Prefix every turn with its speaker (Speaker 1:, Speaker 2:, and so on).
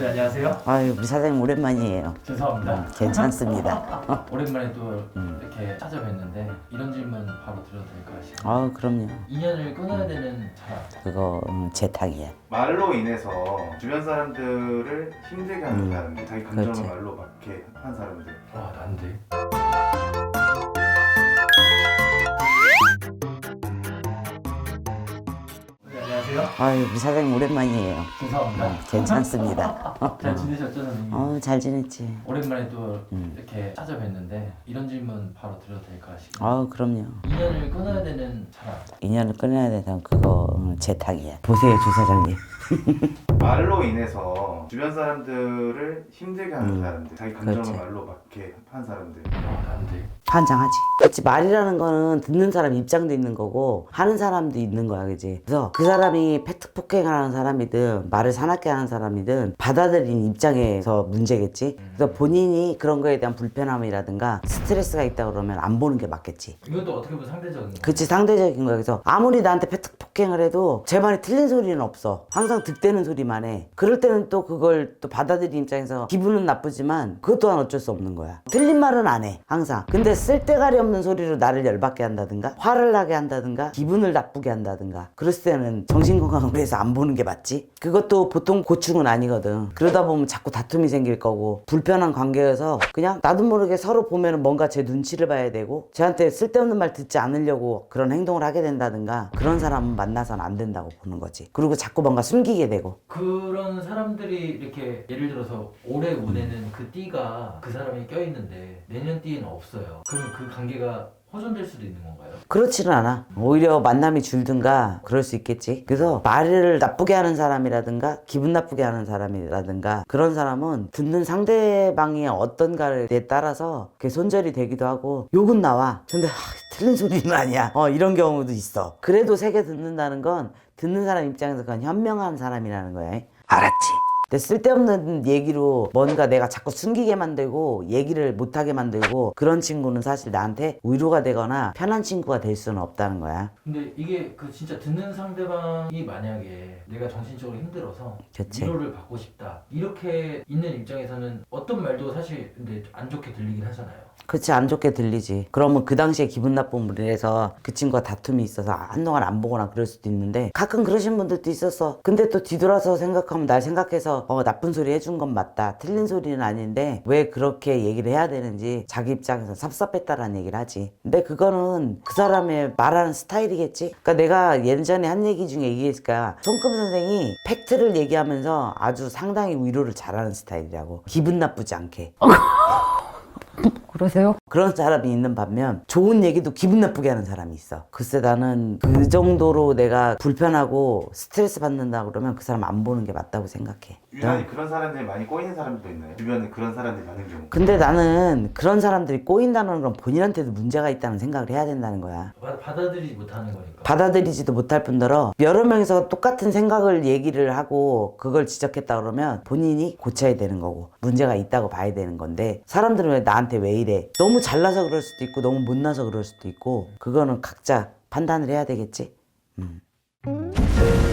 Speaker 1: 네, 안녕하세요.
Speaker 2: 아유, 우리 사장님 오랜만이에요.
Speaker 1: 죄송합니다.
Speaker 2: 괜찮습니다.
Speaker 1: 오랜만에 또 이렇게 찾아뵀는데 이런 질문 바로 드려도 될까요? 지금?
Speaker 2: 아, 그럼요.
Speaker 1: 인연을 끊어야 되는 사람.
Speaker 2: 그거 제 탁이야.
Speaker 3: 말로 인해서 주변 사람들을 힘들게 하는 사람들, 자기 감정을
Speaker 2: 그렇지.
Speaker 3: 말로 맞게 한 사람들.
Speaker 1: 와, 난데. 네, 안녕하세요.
Speaker 2: 아유, 우리 사장님 오랜만이에요.
Speaker 1: 죄송합니다.
Speaker 2: 괜찮습니다.
Speaker 1: 잘 지내셨죠, 선생님?
Speaker 2: 잘 지냈지.
Speaker 1: 오랜만에 또 이렇게 찾아뵀는데 이런 질문 바로 드려도 될까요? 지금?
Speaker 2: 아, 그럼요.
Speaker 1: 인연을 끊어야 되는 사람.
Speaker 2: 인연을 끊어야 되면 그거 제 탁이야. 보세요, 주 사장님.
Speaker 3: 말로 인해서 주변 사람들을 힘들게 하는 사람들, 자기 감정을
Speaker 2: 그렇지.
Speaker 3: 말로 맞게 한 사람들.
Speaker 1: 와, 난데.
Speaker 2: 환장하지. 그렇지. 말이라는 거는 듣는 사람 입장도 있는 거고 하는 사람도 있는 거야, 그지? 그래서 그 사람이 팩트 폭행하는 사람이든 말을 사납게 하는 사람이든 받아들인 입장에서 문제겠지. 그래서 본인이 그런 거에 대한 불편함이라든가 스트레스가 있다 그러면 안 보는 게 맞겠지.
Speaker 1: 이것도 어떻게 보면 상대적인 거예요.
Speaker 2: 그치, 상대적인 거야. 그래서 아무리 나한테 팩트 폭행을 해도 제 말이 틀린 소리는 없어. 항상 득대는 소리만 해. 그럴 때는 또 그걸 또 받아들인 입장에서 기분은 나쁘지만 그것 또한 어쩔 수 없는 거야. 틀린 말은 안 해, 항상. 근데 쓸데가리 없는 소리로 나를 열받게 한다든가 화를 나게 한다든가 기분을 나쁘게 한다든가 그랬을 때는 정신건강을 위해서 안 보는 게 맞지. 그것도 보통 고충은 아니거든. 그러다 보면 자꾸 다툼이 생길 거고 불편한 관계여서 그냥 나도 모르게 서로 보면은 뭔가 제 눈치를 봐야 되고 저한테 쓸데없는 말 듣지 않으려고 그런 행동을 하게 된다든가 그런 사람은 만나서는 안 된다고 보는 거지. 그리고 자꾸 뭔가 숨기게 되고.
Speaker 1: 그런 사람들이 이렇게 예를 들어서 올해 운에는 그 띠가 그 사람이 껴있는데 내년 띠에는 없어요. 그럼 그 관계가 호전될 수도 있는 건가요?
Speaker 2: 그렇지는 않아. 오히려 만남이 줄든가 그럴 수 있겠지. 그래서 말을 나쁘게 하는 사람이라든가 기분 나쁘게 하는 사람이라든가 그런 사람은 듣는 상대방이 어떤가에 따라서 그게 손절이 되기도 하고 욕은 나와. 근데 틀린 소리는 아니야. 이런 경우도 있어. 그래도 새겨 듣는다는 건 듣는 사람 입장에서 그건 현명한 사람이라는 거야. 알았지? 근데 쓸데없는 얘기로 뭔가 내가 자꾸 숨기게 만들고 얘기를 못하게 만들고 그런 친구는 사실 나한테 위로가 되거나 편한 친구가 될 수는 없다는 거야.
Speaker 1: 근데 이게 그 진짜 듣는 상대방이 만약에 내가 정신적으로 힘들어서
Speaker 2: 그치.
Speaker 1: 위로를 받고 싶다 이렇게 있는 입장에서는 어떤 말도 사실 근데 안 좋게 들리긴 하잖아요.
Speaker 2: 그치, 안 좋게 들리지. 그러면 그 당시에 기분 나쁜 무리해서 그 친구가 다툼이 있어서 한동안 안 보거나 그럴 수도 있는데 가끔 그러신 분들도 있었어. 근데 또 뒤돌아서 생각하면 날 생각해서 나쁜 소리 해준 건 맞다. 틀린 소리는 아닌데 왜 그렇게 얘기를 해야 되는지 자기 입장에서 섭섭했다라는 얘기를 하지. 근데 그거는 그 사람의 말하는 스타일이겠지. 그러니까 내가 예전에 한 얘기 중에 얘기했을까. 손금 선생이 팩트를 얘기하면서 아주 상당히 위로를 잘하는 스타일이라고. 기분 나쁘지 않게.
Speaker 4: 그러세요?
Speaker 2: 그런 사람이 있는 반면 좋은 얘기도 기분 나쁘게 하는 사람이 있어. 글쎄 나는 그 정도로 내가 불편하고 스트레스 받는다 그러면 그 사람 안 보는 게 맞다고 생각해.
Speaker 3: 유난히 그런 사람들이 많이 꼬이는 사람들도 있나요? 주변에 그런 사람들이 많은 경우.
Speaker 2: 근데 나는 그런 사람들이 꼬인다는 건 본인한테도 문제가 있다는 생각을 해야 된다는 거야.
Speaker 1: 받아들이지 못하는 거니까.
Speaker 2: 받아들이지도 못할 뿐더러 여러 명이서 똑같은 생각을 얘기를 하고 그걸 지적했다 그러면 본인이 고쳐야 되는 거고 문제가 있다고 봐야 되는 건데 사람들은 왜 나한테 왜 이래? 너무 잘나서 그럴 수도 있고 너무 못나서 그럴 수도 있고 그거는 각자 판단을 해야 되겠지.